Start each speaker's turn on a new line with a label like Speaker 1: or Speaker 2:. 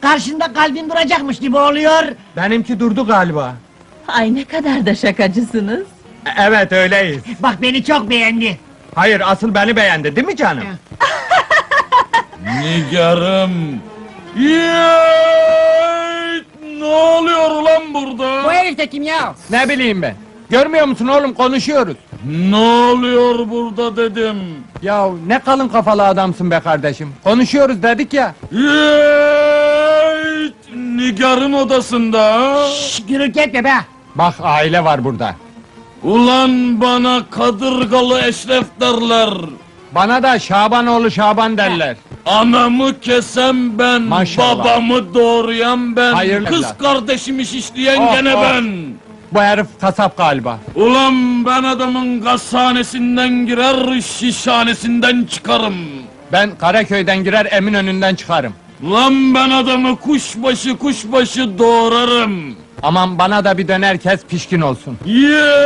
Speaker 1: karşında kalbin duracakmış gibi oluyor.
Speaker 2: Benimki durdu galiba.
Speaker 3: Ay ne kadar da şakacısınız.
Speaker 2: Evet öyleyiz.
Speaker 1: Bak beni çok beğendi.
Speaker 2: Hayır asıl beni beğendi değil mi canım?
Speaker 4: Nigarım! Yeeey! Ne oluyor ulan burada?
Speaker 1: Bu herif de kim ya?
Speaker 2: Ne bileyim ben. Görmüyor musun oğlum konuşuyoruz.
Speaker 4: Ne oluyor burada dedim.
Speaker 2: Ya ne kalın kafalı adamsın be kardeşim. Konuşuyoruz dedik ya.
Speaker 4: Yeeey! Nigar'ın odasında ha?
Speaker 1: Şşş, gürültü etme be.
Speaker 2: Bak aile var burada.
Speaker 4: Ulan bana kadırgalı eşref derler.
Speaker 2: Bana da Şabanoğlu Şaban derler.
Speaker 4: Anamı kesen ben,
Speaker 2: Maşallah.
Speaker 4: babamı doğrayan ben,
Speaker 2: Hayırlı
Speaker 4: kız
Speaker 2: evlat.
Speaker 4: kardeşimi şişleyen
Speaker 2: Oh,
Speaker 4: gene
Speaker 2: oh.
Speaker 4: ben.
Speaker 2: Bu herif kasap galiba.
Speaker 4: Ulan ben adamın gazhanesinden girer, şişhanesinden çıkarım.
Speaker 2: Ben Karaköy'den girer Eminönü'nden çıkarım.
Speaker 4: Lan ben adamı kuşbaşı kuşbaşı doğrarım.
Speaker 2: Aman bana da bir döner kes pişkin olsun.
Speaker 4: Ye!